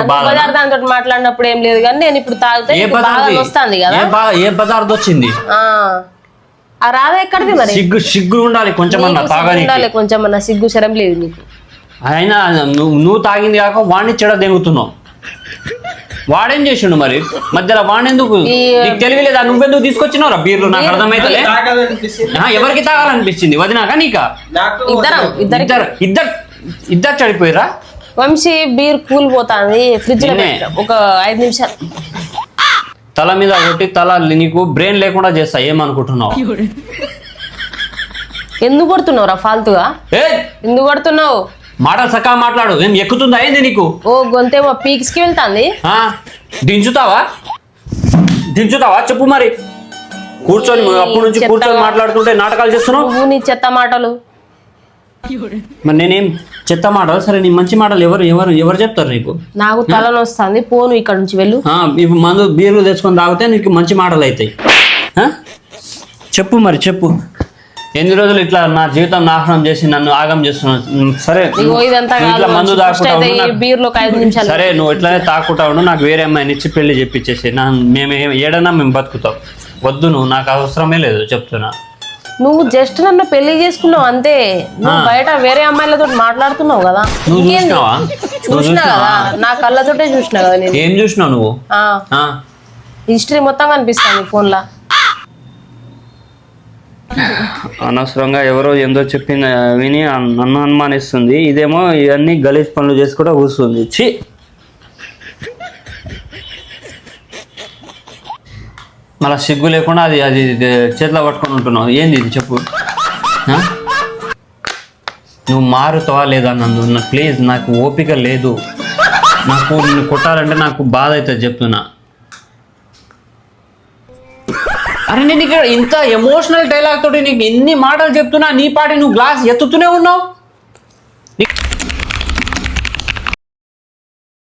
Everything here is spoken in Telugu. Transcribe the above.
బజార్ దాంతో మాట్లాడినప్పుడు ఏం లేదు కానీ నేను ఇప్పుడు తాగితే వస్తుంది కదా. ఏ పదార్థం వచ్చింది? ఆ రాధ ఎక్కడిది మరి? సిగ్గు ఉండాలి కొంచెం, కొంచెం సిగ్గు శరం లేదు నీకు. అయినా నువ్వు తాగింది కాక వాడిని చెడ దెంగుతున్నావు. వాడేం చేసిండు మరి మధ్యలో? వాడెందుకు నీకు తెలియలేదా? నువ్వెందుకు తీసుకొచ్చినావురా బీర్లు? నాకు అర్థమైతే ఎవరికి తాగాలనిపించింది? వదినాక నీకా? ఇద్దరు చడిపోయిరా. వంశీ బీర్ కూల్ పోతాంది ఫ్రిడ్జ్ లో ఒక 5 నిమిషాలు. తల మీద కొట్టి నీకు బ్రెయిన్ లేకుండా చేస్తా. ఏమనుకుంటున్నావు? ఎందుకు కొడుతున్నావురా ఫాల్తుగా? ఎందుకు కొడుతున్నావు? మాటలు చక్కగా మాట్లాడు. ఏం ఎక్కుతుందా ఏంది నీకు? ఓ గొంతేమో పీక్స్ కి వెళ్తాంది. దించుతావా చెప్పు మరి. కూర్చొని అప్పటి నుంచి కూర్చొని మాట్లాడుతుంటే నాటకాలు చేస్తున్నావు. నీ చెత్త మాటలు. మరి నేనేం చెత్త మాటలు? సరే నీ మంచి మాటలు ఎవరు చెప్తారు నీకు? నాకు తలనొస్తుంది, పోను ఇక్కడ నుంచి వెళ్ళు. ఇప్పుడు మందు బీర్లు తెచ్చుకొని తాగితే నీకు మంచి మాటలు అవుతాయి. చెప్పు మరి చెప్పు. ఎన్ని రోజులు ఇట్లా నా జీవితం నాశనం చేసి నన్ను ఆగం చేస్తున్నావు. సరే ఇట్లా మందు తాకుంటా సరే నువ్వు ఇట్లానే తాకుంటా ఉండు. నాకు వేరే అమ్మాయిని ఇచ్చి పెళ్లి చెప్పించేసి మేము బతుకుతాం. వద్దు, నువ్వు నాకు అవసరమే లేదు చెప్తున్నా. నువ్వు జస్ట్ నన్ను పెళ్లి చేసుకున్నావు అంతే. నువ్వు బయట వేరే అమ్మాయిలతో మాట్లాడుతున్నావు కదా. చూసినా కదా, నా కళ్ళతోటే చూసినా కదా. నేను ఏం చూసినావు నువ్వు? హిస్టరీ మొత్తం కనిపిస్తాను ఫోన్ లా. అనవసరంగా ఎవరో ఏందో చెప్పింది విని నన్ను అనుమానిస్తుంది. ఇదేమో ఇవన్నీ గలీజ్ పనులు చేసి కూడా కూర్చుంది. ఛీ, మళ్ళీ సిగ్గు లేకుండా అది చేతిలో పట్టుకొని ఉంటున్నావు. ఏంది ఇది చెప్పు. నువ్వు మారుతావా లేదా నందు? ప్లీజ్, నాకు ఓపిక లేదు. నాకు నిన్ను కొట్టాలంటే నాకు బాధ అవుతుంది చెప్తున్నా. అరే నేను ఇక్కడ ఇంత ఎమోషనల్ డైలాగ్ తోటి నీకు ఎన్ని మాటలు చెప్తున్నా, నీ పాటి నువ్వు గ్లాస్ ఎత్తుతూనే ఉన్నావు.